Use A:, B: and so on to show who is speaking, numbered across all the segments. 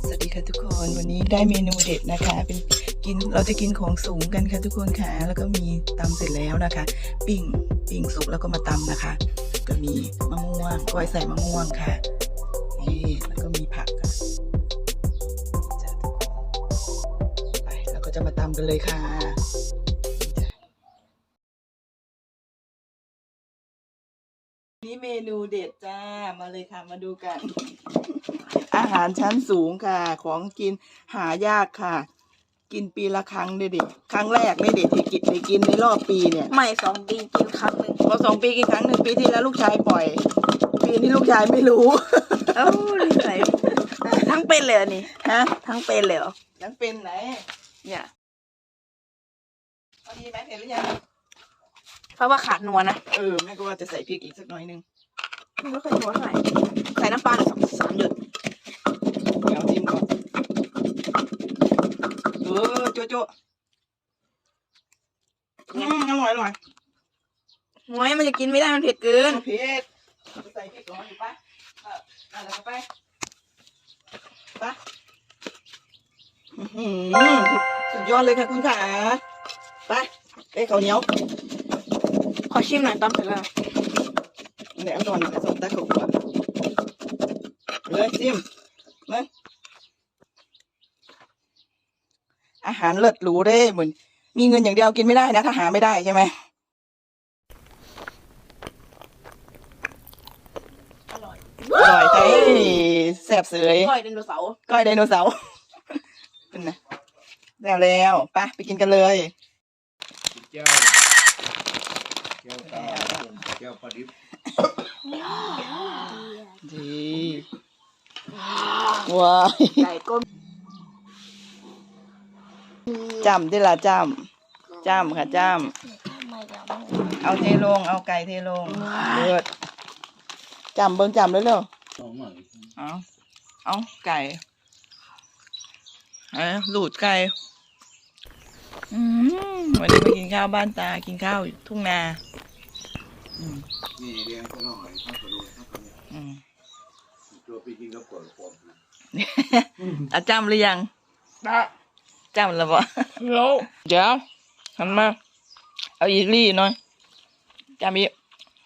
A: สวัสดีค่ะทุกคนวันนี้ได้เมนูเด็ดนะคะเป็นเราจะกินของสูงกันค่ะทุกคนค่ะแล้วก็มีตำเสร็จแล้วนะคะปิ้งสุกแล้วก็มาตำนะคะก็มีมะม่วงก้อยใส่มะม่วงค่ะนี่แล้วก็มีผักค่ะจ้ะทุกคนไปเราก็จะมาตำกันเลยค่ะนี่เมนูเด็ดจ้ามาเลยค่ะมาดูกันอาหารชั้นสูงค่ะของกินหายากค่ะกินปีละครั้งเด็กครั้งแรกไม่เด็ดที่กินในรอบปีเนี่ย
B: ไม่2 ปีกินครั้งหนึ่ง
A: พอ2 ปีกินครั้งหนึ่งปีที่แล้วลูกชายปล่อยปีนี้ลูกชายไม่รู้
B: เอ้านิสัยทั้งเป็นเลยอันนี้
A: ฮะ
B: ทั้งเป็นเลยเหรอ
A: ยังเป็นไหน
B: เนี่ย
A: พอดีไหมเห็นหรือยัง
B: เพราะว่าขาดนัวนะ
A: แม่ก็ว่าจะใส่พริกอีกสักหน่อยนึง
B: ไม่ค่อยนัวเท่าไหร่ใส่น้ำปลาหน่อย3 หยด
A: เดี๋ยวจิ้มก่อนโจ๊ะอร่อย
B: หวยมันจะกินไม่ได้มันเผ็ดเกิน
A: เผ็ดใส่พริกก่อนอยู่ปะอะไรก็ไปสุดยอดเลยค่ะคุณขาไปข้าวเหนียว
B: ขอชิมหน่อยตอนเสร็จแล้ว
A: เดี๋ยวก่อนส่งตาขบก่อนเลยซิมมาอาหารเลิศหรูเด้เหมือนมีเงินอย่างเดียวกินไม่ได้นะถ้าหาไม่ได้ใช่ไหม
B: อร่อย
A: ใช่แซ่บเสย
B: ก้อยไดโนเสาร์
A: ก้อยไดโนเสาร์เป็นไงแล้วไปกินกันเลย
C: เจ้าปลาดิบ
A: ดีว้า
B: ไก่ก้ม
A: จำได้ละจำค่ะจำเอาเทลงเอาไก่เทลงเลือดจำเบิ่งจำเลยเร็วเอาไก่หลูดไก่วันนี้มากินข้าวบ้านตากินข้าวทุ่งนา
C: นี่เรียงก็น้อยข้าวกระดูกข้าวกระเนียตัวไปกินกับปวด
A: จำหรือยังจำแล้วบ่แล้วเดี๋ยวหันมาเอาอีกลี่หน่อยจำอีก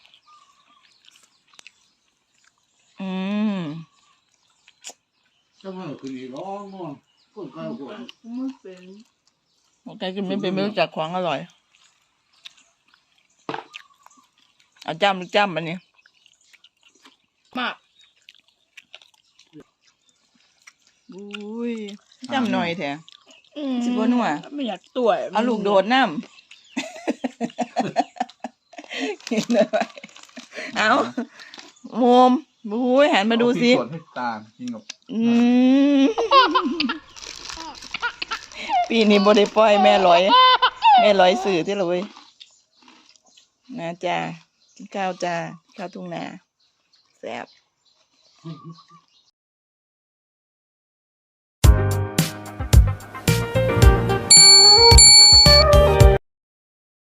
C: ก็มันคือร้องมั้งคนใกล้กว่า
B: ไม่เป็น
A: ใครกินไม่เป็นไม่รู้จักของอร่อยเอาจำหรือจำอันนี้
B: มาก
A: อุ้ยจำหน่อยแท้สิบ่นัว
B: ไม่อยากตัว
A: เอาลูกโดดน้ำกินเลยเอาโมมบุ้ยหันมาดูสิ
C: ส่วนให้ตากินกับ
A: ปีนี้บ่ได้ปล่อยแม่ร้อยสื่อที่เลยนะจ้ากินข้าวจ้าข้าวทุ่งนาแซ่บ